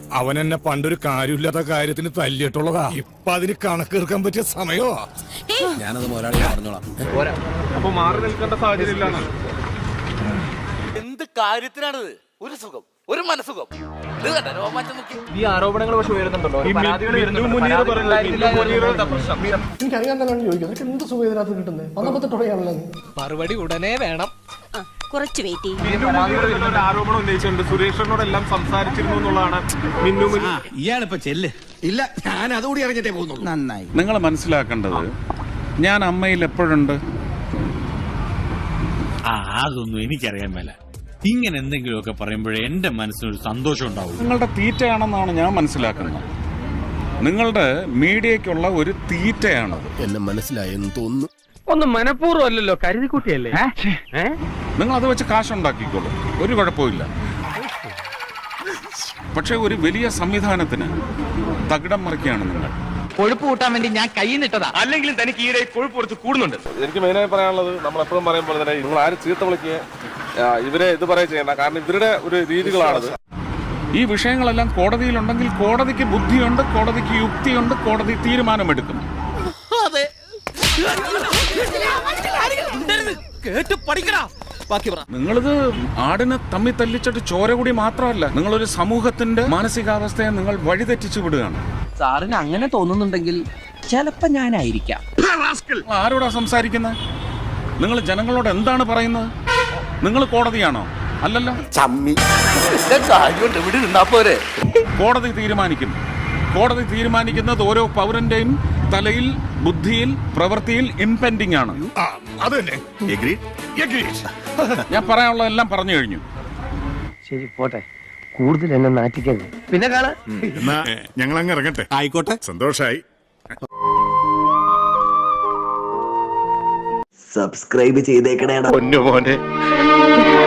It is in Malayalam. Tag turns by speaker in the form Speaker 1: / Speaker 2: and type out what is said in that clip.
Speaker 1: അവൻ എന്നെ പണ്ടൊരു കാര്യമില്ലാത്ത കാര്യത്തിന് തല്ലിയിട്ടുള്ളതാ. ഇപ്പൊ അതിന് കണക്കെടുക്കാൻ പറ്റിയ സമയോ?
Speaker 2: ഞാനത് മുതലാളി പറഞ്ഞോളാം.
Speaker 3: അപ്പൊ മാറി നിൽക്കേണ്ട സാഹചര്യം ഇല്ലാന്ന്.
Speaker 4: എന്ത് കാര്യത്തിനാണിത്? ഒരു സുഖം, ഒരു മനസുഖം.
Speaker 3: ഈ ആരോപണങ്ങൾ പക്ഷെ ഉയരുന്നുണ്ടല്ലോ.
Speaker 5: എനിക്കറിയാൻ തന്നെയാണ് ചോദിക്കുന്നത്. എന്ത് സുഖം ഇതിനകത്ത് കിട്ടുന്നത്? 19
Speaker 6: മറുപടി ഉടനെ വേണം.
Speaker 7: കുറച്ച് വെയിറ്റ് ചെയ്യും.
Speaker 3: ആരോപണം ഉന്നയിച്ചിട്ടുണ്ട്. സുരേഷിനോടെല്ലാം സംസാരിച്ചിരുന്നു എന്നുള്ളതാണ് മിന്നു.
Speaker 2: ഇയാളിപ്പോ ചെല്ല്.
Speaker 1: ഇല്ല, ഞാൻ അതുകൂടി അറിഞ്ഞിട്ടേ പോകുന്നു.
Speaker 2: നന്നായി.
Speaker 8: നിങ്ങൾ മനസ്സിലാക്കേണ്ടത് ഞാൻ അമ്മയിൽ എപ്പോഴുണ്ട്.
Speaker 9: അതൊന്നും എനിക്കറിയാൻ മേല. ഇങ്ങനെ എന്തെങ്കിലുമൊക്കെ പറയുമ്പോഴേ എന്റെ മനസ്സിനൊരു സന്തോഷം ഉണ്ടാവും.
Speaker 8: നിങ്ങളുടെ തീറ്റയാണെന്നാണ് ഞാൻ മനസ്സിലാക്കുന്നത്. നിങ്ങളുടെ മീഡിയക്കുള്ള ഒരു തീറ്റയാണ്.
Speaker 2: എന്നെ മനസ്സിലായെന്ന് തോന്നുന്നു.
Speaker 6: ഒന്നും മനഃപൂർവ്വം അല്ലല്ലോ, കരുതിക്കുട്ടിയല്ലേ.
Speaker 8: നിങ്ങൾ അത് വെച്ച് കാശുണ്ടാക്കിക്കോളൂ, ഒരു കുഴപ്പമില്ല. പക്ഷെ ഒരു വലിയ സംവിധാനത്തിന് തകിടം മറിക്കുകയാണ് നിങ്ങൾ.
Speaker 6: കൊഴുപ്പ് കൂട്ടാൻ വേണ്ടി ഞാൻ കൈ നിട്ടതാ. അല്ലെങ്കിലും തനിക്ക് ഈയിടെ കൊഴുപ്പ് കുറച്ച് കൂടുന്നുണ്ട്.
Speaker 3: എനിക്ക് മെയിനായി പറയാനുള്ളത്, നമ്മൾ എപ്പോഴും പറയുമ്പോൾ തന്നെ നിങ്ങൾ ആരും ചീത്ത വിളിക്കുക, ഇവരെ ഇത് പറയാൻ ചെയ്യണ്ട. കാരണം ഇവരുടെ ഒരു രീതികളാണത്.
Speaker 8: ഈ വിഷയങ്ങളെല്ലാം കോടതിയിലുണ്ടെങ്കിൽ കോടതിക്ക് ബുദ്ധിയുണ്ട്, കോടതിക്ക് യുക്തിയുണ്ട്, കോടതി തീരുമാനമെടുക്കും. നിങ്ങളിത് ആടിനെ തമ്മി തല്ലിച്ചിട്ട് ചോര കൂടി മാത്രമല്ല, നിങ്ങളൊരു സമൂഹത്തിന്റെ മാനസികാവസ്ഥയെ നിങ്ങൾ വഴിതെറ്റിച്ചു വിടുകയാണ്.
Speaker 6: സാറിന് അങ്ങനെ തോന്നുന്നുണ്ടെങ്കിൽ ചിലപ്പോ ഞാനായിരിക്കാം.
Speaker 8: ആരോടാ സംസാരിക്കുന്നത്? നിങ്ങൾ ജനങ്ങളോട് എന്താണ് പറയുന്നത്? നിങ്ങൾ കോടതിയാണോ? അല്ലല്ലോ. കോടതി തീരുമാനിക്കും. കോടതി തീരുമാനിക്കുന്നത് ഓരോ പൗരന്റെയും തലയിൽ, ബുദ്ധിയിൽ, പ്രവൃത്തിയിൽ ഇംപെൻഡിങ് ആണ്. ഞാൻ പറയാനുള്ളതെല്ലാം പറഞ്ഞു കഴിഞ്ഞു.
Speaker 6: ശരി, പോട്ടെ. കൂടുതൽ എന്നെ നാറ്റിക്കരുത്. പിന്നെ കാണാം.
Speaker 1: ഞങ്ങൾ അങ്ങ് ഇറങ്ങട്ടെ.
Speaker 2: ആയിക്കോട്ടെ.
Speaker 1: സന്തോഷായി.
Speaker 10: സബ്സ്ക്രൈബ് ചെയ്തേക്കണേടാ.
Speaker 3: പൊന്നു മോനെ.